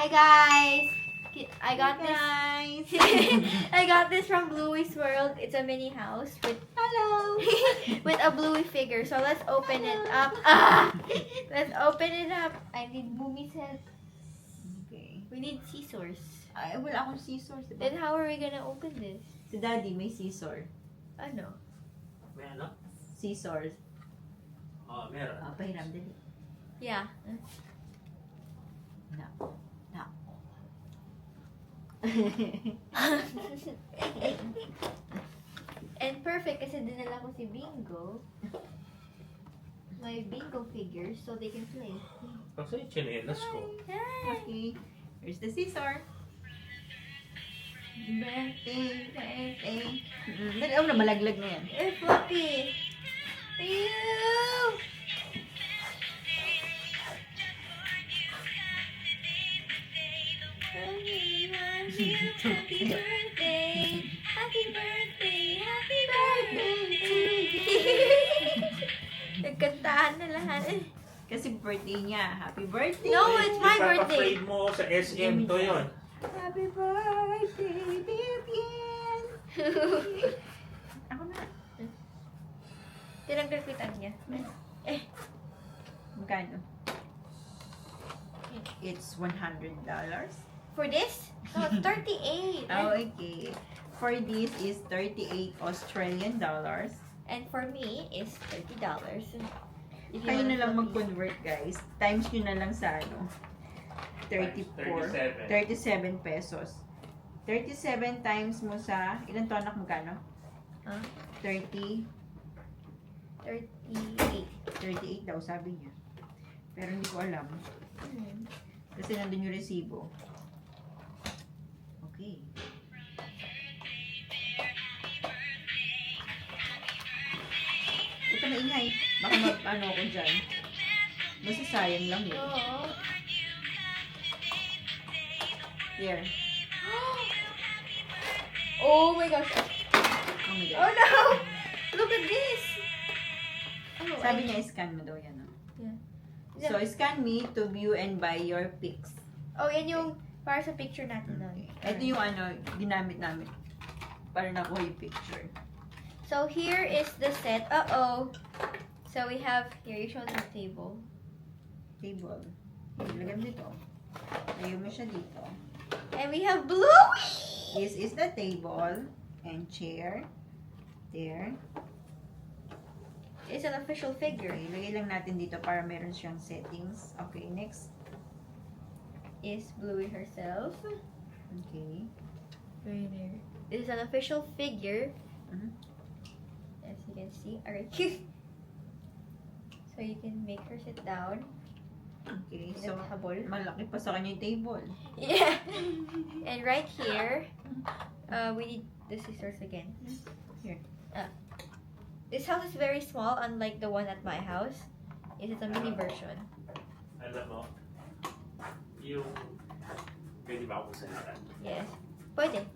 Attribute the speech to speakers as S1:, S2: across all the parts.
S1: Hi guys! I got
S2: Guys!
S1: this. I got this from Bluey's World. It's a mini house with
S2: Hello!
S1: with a Bluey figure. So let's open it up. Let's open it up. I need Boomy's help.
S2: Okay.
S1: We need scissors.
S2: Ay, wala akong scissors, diba?
S1: Then how are we gonna open this?
S2: Si Daddy may scissor.
S1: Ano?
S3: May ano?
S2: Scissors.
S3: Meron.
S2: Pahiram din.
S1: Yeah.
S2: No. No.
S1: And perfect kasi dinala ko si Bingo. My Bingo figures so they can play.
S3: Kasi yung chinelas ko.
S1: Hi!
S2: Okay. Here's the scissor. Birthday. Dali, na, malaglag na yan.
S1: Eh, Fluffy! Ew! Happy birthday! Happy birthday! Happy birthday! Nagkantahan na lahat.
S2: Kasi birthday niya. Happy birthday!
S1: No, it's my birthday.
S3: Ipapa-frame mo sa SM to yun.
S2: Happy birthday, Vivian! Ako na.
S1: Tinanggal ko yung tag niya.
S2: Magkano? It's $100.
S1: For this? No, it's 38.
S2: Oh, okay. For this is 38 Australian dollars.
S1: And for me is $30. If you
S2: Kayo
S1: wanna
S2: na lang
S1: flip it.
S2: mag-convert, guys. Times nyo na lang sa ano. 34. 37 pesos. 37 times mo sa, ilan to anak, magkano?
S1: Huh?
S2: 30,
S1: 38.
S2: 38 daw, sabi niya. Pero hindi ko alam. Kasi nandun yung resibo. Okay. Ito maingay. Baka mag-ano ko dyan. Masasayang lang yun.
S1: Oo.
S2: Here.
S1: Oh my gosh.
S2: Oh my
S1: Oh
S2: God.
S1: no! Look at this! Oh,
S2: Sabi niya, scan mo daw yan.
S1: Yeah.
S2: So, scan me to view and buy your pics.
S1: Oh, yan yung para sa picture natin nun.
S2: Ito yung ano, ginamit namin. Para nakuha yung picture.
S1: So here is the set. Uh-oh. So we have, here, you show the table.
S2: Table. Ilagay mo dito. Layo mo siya dito.
S1: And we have Bluey!
S2: This is the table and chair. There.
S1: It's an official figure.
S2: Okay, ilagay lang natin dito para meron siyang settings. Okay, next.
S1: Is Bluey herself.
S2: Okay.
S1: Right there. This is an official figure.
S2: Mhm.
S1: As you can see. Alright. So you can make her sit down.
S2: Okay,
S1: In
S2: so
S1: a table.
S2: malaki pa sa kanya yung table.
S1: Yeah. And right here, we need the scissors again.
S2: Here.
S1: This house is very small, unlike the one at my house. It is a mini version.
S3: Alam mo, yung... Pwede ba akong salitan?
S1: Yes. Pwede.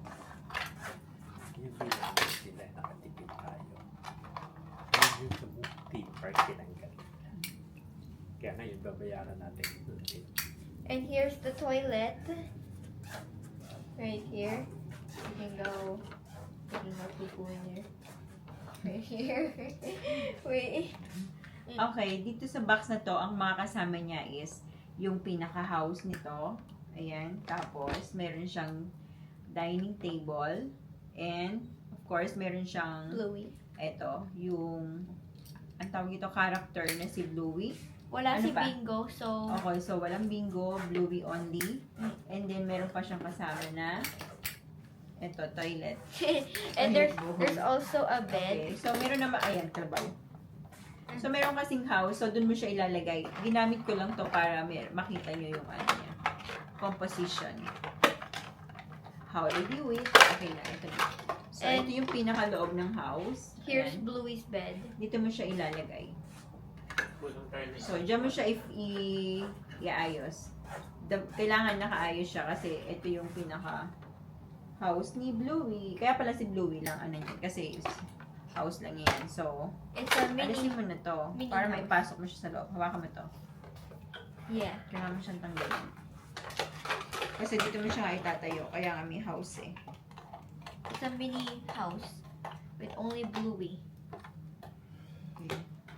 S3: Yung bilang sila, nakatipid tayo. Yung sa theme park tinanggal. Kaya ngayon, babayaran natin ulit.
S1: And here's the toilet. Right here. You can go. You can go poo in there. Right here. Wait.
S2: Okay, dito sa box na to, ang mga kasama niya is yung pinaka-house nito. Ayan. Tapos, meron siyang dining table. And, of course, meron siyang,
S1: Bluey.
S2: eto, yung, ang tawag ito, character na si Bluey.
S1: Wala
S2: Ano
S1: si
S2: pa?
S1: Bingo, so...
S2: Okay, so walang Bingo, Bluey only. And then, meron pa siyang kasama na, eto, toilet.
S1: And there's also a bed.
S2: Okay, so meron naman, ayan, trabaho. So, meron kasing house, so dun mo siya ilalagay. Ginamit ko lang to para makita nyo yung ano niya, composition. How to view it. Okay na, ito na. So,
S1: And
S2: ito yung pinakaloob ng house.
S1: Here's
S2: Ayan.
S1: Bluey's bed.
S2: Dito mo siya ilalagay.
S3: Kulong tayo na
S2: So, dyan mo siya iayos. Kailangan nakaayos siya kasi ito yung pinaka house ni Bluey. Kaya pala si Bluey lang ano niya kasi house lang yan. So,
S1: It's a mini.
S2: alisin mo na to
S1: mini
S2: para
S1: house.
S2: maipasok mo siya sa loob. Hawakan mo to.
S1: Yeah.
S2: Kailangan mo siyang tanggalin. Kasi dito mo siya nga itatayo. Kaya nga may house eh.
S1: It's a mini house with only Bluey.
S2: Okay.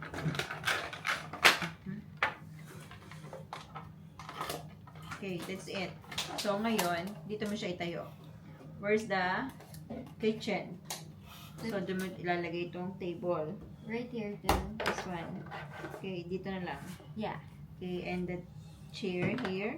S2: Okay, that's it. So, ngayon, dito mo siya itayo. Where's the kitchen? So, doon mo ilalagay itong table.
S1: Right here too.
S2: This one. Okay, dito na lang.
S1: Yeah.
S2: Okay, and the chair here.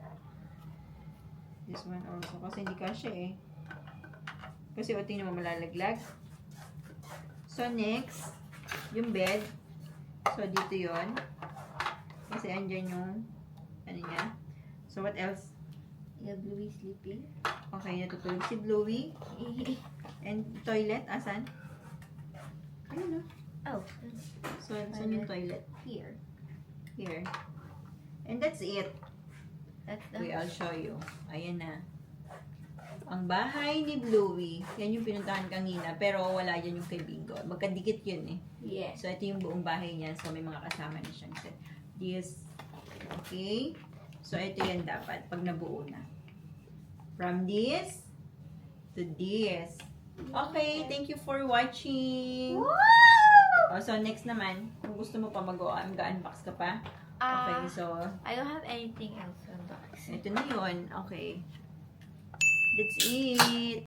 S2: This one also. Kasi hindi kasya eh. Kasi o, tingnan mo malalaglag. So, next, yung bed. So, dito yon. Kasi andyan yung, ano niya. So, what else?
S1: Yeah, Bluey sleeping.
S2: Okay, natutulog si Bluey. And toilet, asan? Ayun na.
S1: Oh,
S2: So, saan yung toilet?
S1: here.
S2: Here. And that's it.
S1: That's the.
S2: Okay, I'll show you. Ayan na. Ang bahay ni Bluey. Yan yung pinuntahan kanina. Pero wala yan yung kay Bingo. Magkadikit yun eh.
S1: Yeah.
S2: So, ito yung buong bahay niya. So, may mga kasama na siyang set. This. Okay. So, ito yan dapat pag nabuo na. From this to this. Okay, thank you for watching.
S1: Woo!
S2: Oh, so, next naman, kung gusto mo pa mag-unbox ka pa. Okay, so,
S1: I don't have anything else to unbox.
S2: ito na yun. Okay. That's it.